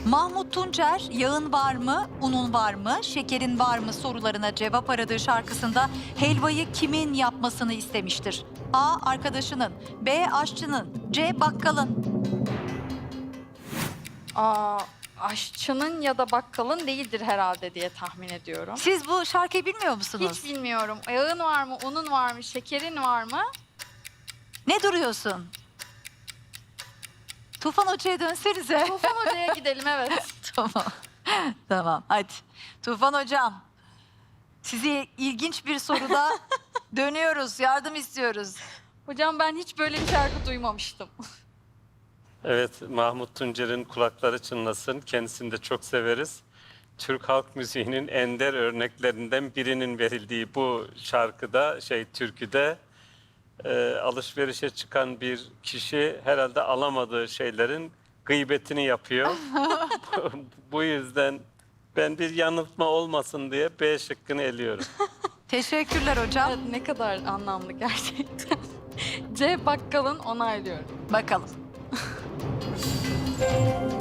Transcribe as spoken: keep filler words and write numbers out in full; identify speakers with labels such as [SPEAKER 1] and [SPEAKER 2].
[SPEAKER 1] Mahmut Tuncer, yağın var mı, unun var mı, şekerin var mı sorularına cevap aradığı şarkısında helvayı kimin yapmasını istemiştir? A. Arkadaşının, B. Aşçının, C. Bakkalın.
[SPEAKER 2] Aa, aşçının ya da bakkalın değildir herhalde diye tahmin ediyorum.
[SPEAKER 1] Siz bu şarkıyı bilmiyor musunuz?
[SPEAKER 2] Hiç bilmiyorum. Yağın var mı, unun var mı, şekerin var mı?
[SPEAKER 1] Ne duruyorsun? Tufan Hoca'ya dönsenize.
[SPEAKER 2] Tufan Hoca'ya gidelim, evet.
[SPEAKER 1] Tamam. Tamam, hadi. Tufan Hocam, sizi ilginç bir soruda dönüyoruz, yardım istiyoruz.
[SPEAKER 2] Hocam ben hiç böyle bir şarkı duymamıştım.
[SPEAKER 3] Evet, Mahmut Tuncer'in kulakları çınlasın. Kendisini de çok severiz. Türk halk müziğinin ender örneklerinden birinin verildiği bu şarkıda, şey türküde e, alışverişe çıkan bir kişi herhalde alamadığı şeylerin gıybetini yapıyor. bu, bu yüzden ben bir yanıltma olmasın diye B şıkkını eliyorum.
[SPEAKER 1] Teşekkürler hocam.
[SPEAKER 2] Evet, ne kadar anlamlı gerçekten. C. Bakkalın onaylıyorum.
[SPEAKER 1] Bakalım.